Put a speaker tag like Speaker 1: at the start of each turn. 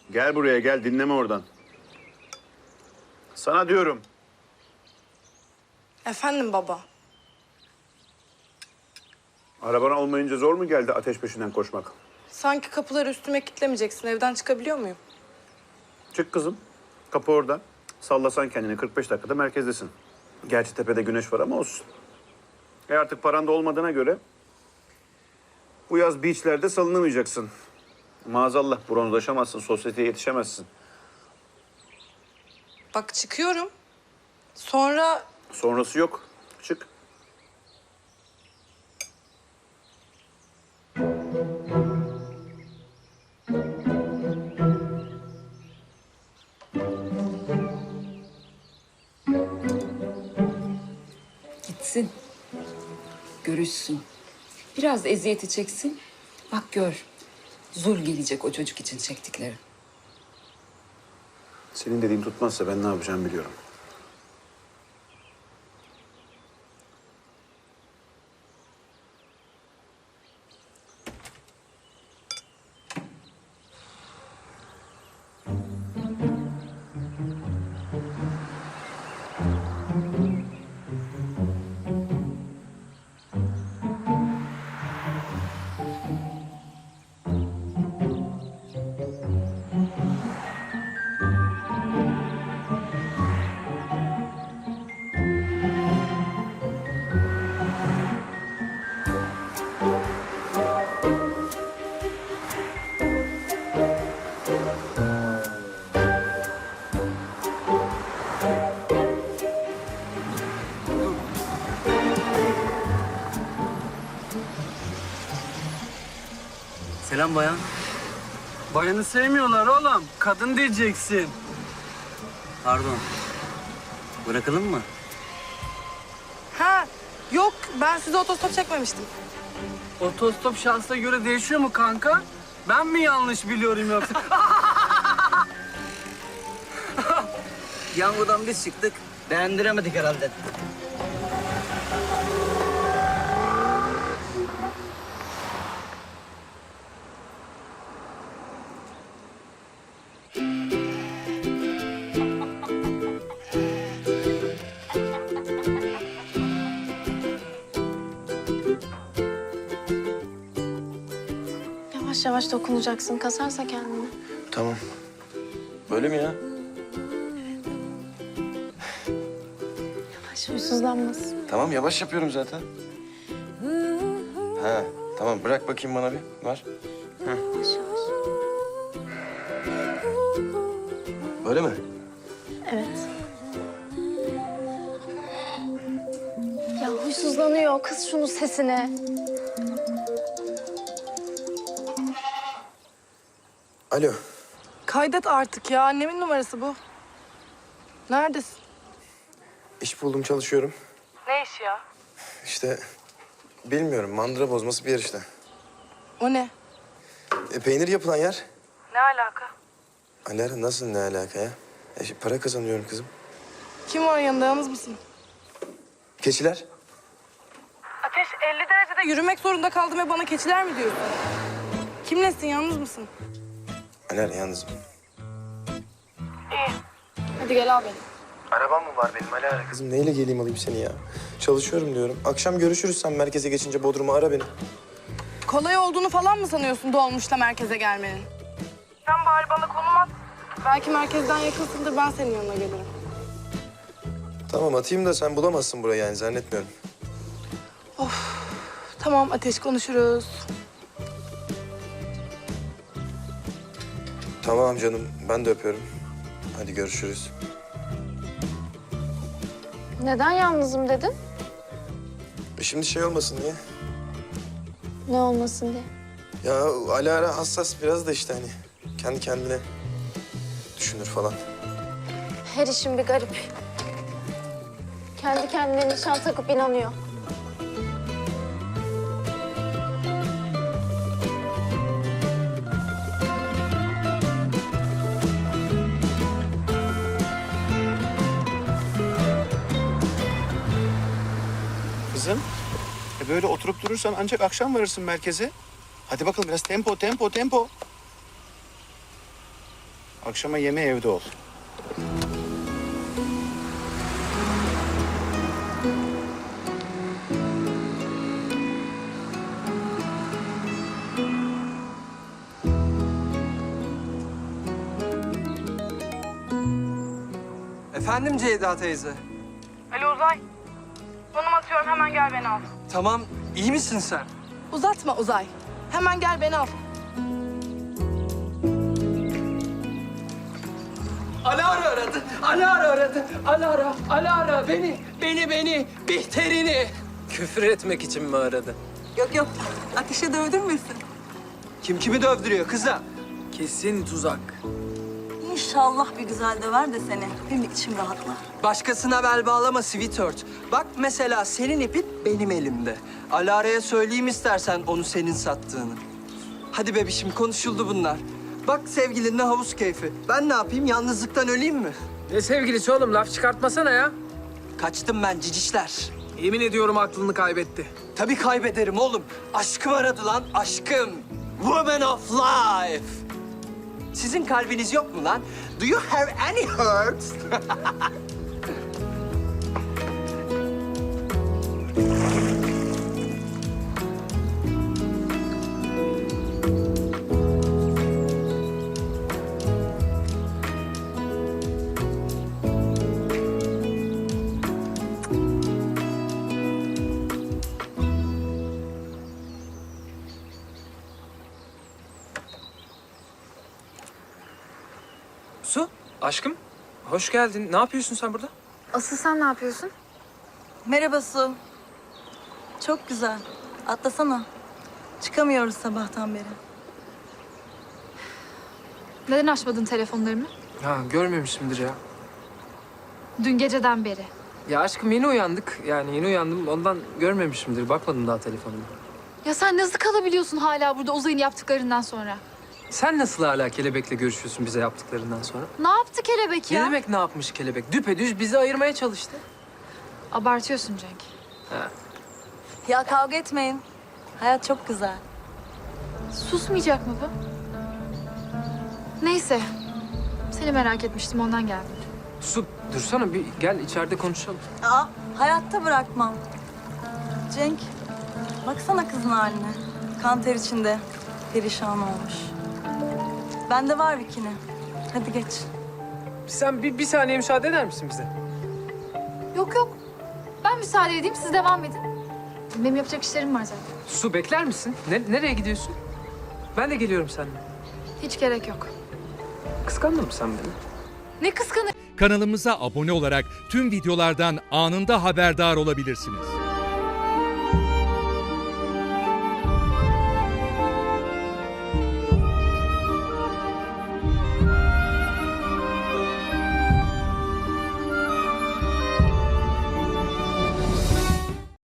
Speaker 1: Gel buraya gel, dinleme oradan. Sana diyorum.
Speaker 2: Efendim baba.
Speaker 1: Araban olmayınca zor mu geldi ateş peşinden koşmak?
Speaker 2: Sanki kapıları üstüme kilitlemeyeceksin. Evden çıkabiliyor muyum?
Speaker 1: Çık kızım. Kapı orada. Sallasan kendini 45 dakikada merkezdesin. Gerçi tepede güneş var ama olsun. Artık paran da olmadığına göre bu yaz beachlerde salınamayacaksın. Maazallah bronzlaşamazsın, sosyeteye yetişemezsin.
Speaker 2: Bak çıkıyorum. Sonra
Speaker 1: Sonrası yok. Çık.
Speaker 3: Gitsin. Görüşsün. Biraz eziyeti çeksin. Bak gör. Zul gelecek o çocuk için çektikleri.
Speaker 1: Senin dediğin tutmazsa ben ne yapacağımı biliyorum.
Speaker 4: Selam bayan.
Speaker 5: Bayanı sevmiyorlar oğlum. Kadın diyeceksin.
Speaker 4: Pardon. Bırakalım mı?
Speaker 2: ha yok ben size otostop çekmemiştim.
Speaker 5: Otostop şansına göre değişiyor mu kanka? Ben mi yanlış biliyorum yoksa?
Speaker 4: Yangodan biz çıktık. Beğendiremedik herhalde.
Speaker 6: Yavaş yavaş dokunacaksın. Kasarsa kendini.
Speaker 7: Tamam. Böyle mi ya?
Speaker 6: Yavaş huysuzlanmaz.
Speaker 7: Tamam yavaş yapıyorum zaten. Ha tamam bırak bakayım bana bir. Var.
Speaker 6: Yavaş yavaş.
Speaker 7: Böyle mi?
Speaker 6: Evet. Ya huysuzlanıyor. Kız şunun sesine.
Speaker 7: Alo.
Speaker 2: Kaydet artık ya. Annemin numarası bu. Neredesin?
Speaker 7: İş buldum çalışıyorum.
Speaker 2: Ne işi ya?
Speaker 7: İşte bilmiyorum mandıra bozması bir yer işte.
Speaker 2: O ne?
Speaker 7: Peynir yapılan yer.
Speaker 2: Ne alaka?
Speaker 7: Alara nasıl ne alaka ya? Para kazanıyorum kızım.
Speaker 2: Kim var yanında? Yalnız mısın?
Speaker 7: Keçiler.
Speaker 2: Ateş 50 derecede yürümek zorunda kaldım ve bana keçiler mi diyorsun? Kimlesin? Yalnız mısın?
Speaker 7: Alara yalnızım.
Speaker 6: Hadi gel al beni.
Speaker 7: Arabam mı var benim Alara? Kızım neyle geleyim alayım seni ya? Çalışıyorum diyorum. Akşam görüşürüz sen merkeze geçince Bodrum'a ara beni.
Speaker 2: Kolay olduğunu falan mı sanıyorsun dolmuşla merkeze gelmenin? Sen bari bana konum at. Belki merkezden yakınsındır, ben senin yanına gelirim.
Speaker 7: Tamam atayım da sen bulamazsın burayı yani zannetmiyorum.
Speaker 2: Tamam Ateş, konuşuruz.
Speaker 7: Tamam canım ben de öpüyorum. Hadi görüşürüz.
Speaker 6: Neden yalnızım dedin?
Speaker 7: Şimdi şey olmasın diye.
Speaker 6: Ne olmasın diye.
Speaker 7: Ya Alara hassas biraz da işte hani kendi kendine düşünür falan.
Speaker 6: Her işin bir garip. Kendi kendine nişan takıp inanıyor.
Speaker 1: Kızım, böyle oturup durursan ancak akşam varırsın merkeze. Hadi bakalım biraz tempo, tempo, tempo. Akşama yemeği evde ol.
Speaker 5: Efendim Ceyda teyze.
Speaker 2: Alo Uzay. Konum atıyorum, hemen gel beni al.
Speaker 5: Tamam, iyi misin sen?
Speaker 2: Uzatma Uzay. Hemen gel beni al.
Speaker 5: Alara aradı, Alara aradı. Alara beni, Bihter'ini. Küfür etmek için mi aradı?
Speaker 8: Yok, ateşe dövdürmesin.
Speaker 5: Kim kimi dövdürüyor kıza? Kesin tuzak.
Speaker 8: İnşallah bir güzel döver de seni. Benim de içim rahatlar.
Speaker 5: Başkasına bel bağlama sweetheart. Bak mesela senin ipin benim elimde. Alara'ya söyleyeyim istersen onu senin sattığını. Hadi bebişim konuşuldu bunlar. Bak sevgilinle havuz keyfi. Ben ne yapayım yalnızlıktan öleyim mi?
Speaker 9: Ne sevgilisi oğlum? Laf çıkartmasana ya.
Speaker 5: Kaçtım ben cicişler.
Speaker 9: Yemin ediyorum aklını kaybetti.
Speaker 5: Tabii kaybederim oğlum. Aşkım aradı lan aşkım. Woman of life. Sizin kalbiniz yok mu lan? Do you have any heart?
Speaker 9: Su, aşkım. Hoş geldin. Ne yapıyorsun sen burada?
Speaker 6: Asıl sen ne yapıyorsun?
Speaker 8: Merhaba Su. Çok güzel. Atlasana. Çıkamıyoruz sabahtan beri.
Speaker 6: Neden açmadın telefonlarımı?
Speaker 9: Ha, görmemişimdir ya.
Speaker 6: Dün geceden beri.
Speaker 9: Ya aşkım yeni uyandık. Yani yeni uyandım. Ondan görmemişimdir. Bakmadım daha telefonuma.
Speaker 6: Ya sen nasıl kalabiliyorsun hala burada Uzay'ın yaptıklarından sonra?
Speaker 9: Sen nasıl hala kelebekle görüşüyorsun bize yaptıklarından sonra?
Speaker 6: Ne yaptı kelebek ya?
Speaker 9: Ne demek ne yapmış kelebek? Düpedüz bizi ayırmaya çalıştı.
Speaker 6: Abartıyorsun Cenk.
Speaker 8: Ya kavga etmeyin. Hayat çok güzel.
Speaker 6: Susmayacak mı bu? Neyse. Seni merak etmiştim ondan geldim.
Speaker 9: Su, dursana bir gel içeride konuşalım.
Speaker 8: Aa, hayatta bırakmam. Cenk, baksana kızın haline. Kan ter içinde. Perişan olmuş. Bende var bikini. Hadi geç.
Speaker 9: Sen bir saniye müsaade eder misin bize?
Speaker 6: Yok. Ben müsaade edeyim siz devam edin. Benim yapacak işlerim var zaten.
Speaker 9: Su bekler misin? Nereye gidiyorsun? Ben de geliyorum seninle.
Speaker 6: Hiç gerek yok.
Speaker 9: Kıskandın mı sen beni?
Speaker 6: Ne kıskanı...
Speaker 10: Kanalımıza abone olarak tüm videolardan anında haberdar olabilirsiniz.